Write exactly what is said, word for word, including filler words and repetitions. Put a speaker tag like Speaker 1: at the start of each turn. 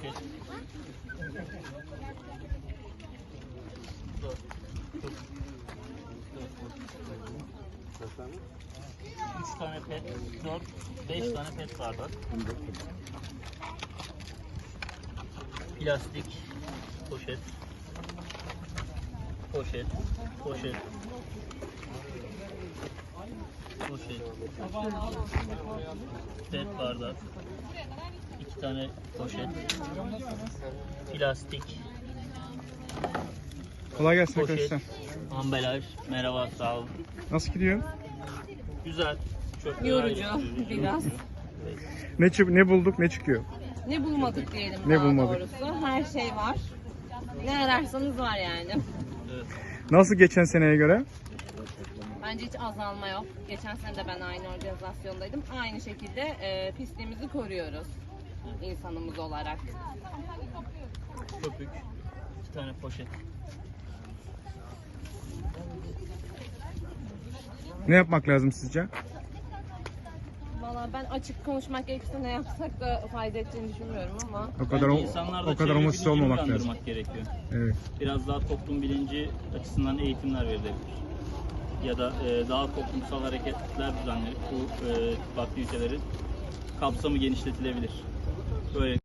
Speaker 1: poşet. Üç tane pet, dört, beş tane pet bardak. Plastik poşet, poşet, poşet, poşet, pet bardak, iki tane poşet, plastik,
Speaker 2: Kolay gelsin
Speaker 1: poşet,
Speaker 2: arkadaşlar.
Speaker 1: ambalaj. Merhaba, sağ olun.
Speaker 2: Nasıl gidiyor?
Speaker 1: Güzel. Çok
Speaker 3: Yorucu
Speaker 1: güzel.
Speaker 3: biraz.
Speaker 2: Ne çı- ne bulduk, ne çıkıyor?
Speaker 3: Ne bulmadık diyelim
Speaker 2: Ne
Speaker 3: daha
Speaker 2: bulmadık?
Speaker 3: doğrusu. Her şey var. Ne ararsanız var yani.
Speaker 1: Evet.
Speaker 2: Nasıl geçen seneye göre?
Speaker 3: Bence hiç azalma yok. Geçen sene de ben aynı organizasyondaydım. Aynı şekilde e, pisliğimizi koruyoruz insanımız olarak.
Speaker 1: Köpük, iki tane poşet.
Speaker 2: Ne yapmak lazım sizce?
Speaker 3: Valla ben açık konuşmak gerekirse ne yapsak da fayda edeceğini düşünmüyorum ama
Speaker 2: O kadar o,
Speaker 1: Bence insanlarda
Speaker 2: o kadar
Speaker 1: çevre
Speaker 2: umutsuz
Speaker 1: bilincini
Speaker 2: olmamak lazım.
Speaker 1: kandırmak gerekiyor.
Speaker 2: Evet.
Speaker 1: Biraz daha toplum bilinci açısından eğitimler verilebilir. Ya da e, daha toplumsal hareketler düzenlenip bu e, aktivitelerin kapsamı genişletilebilir. Böyle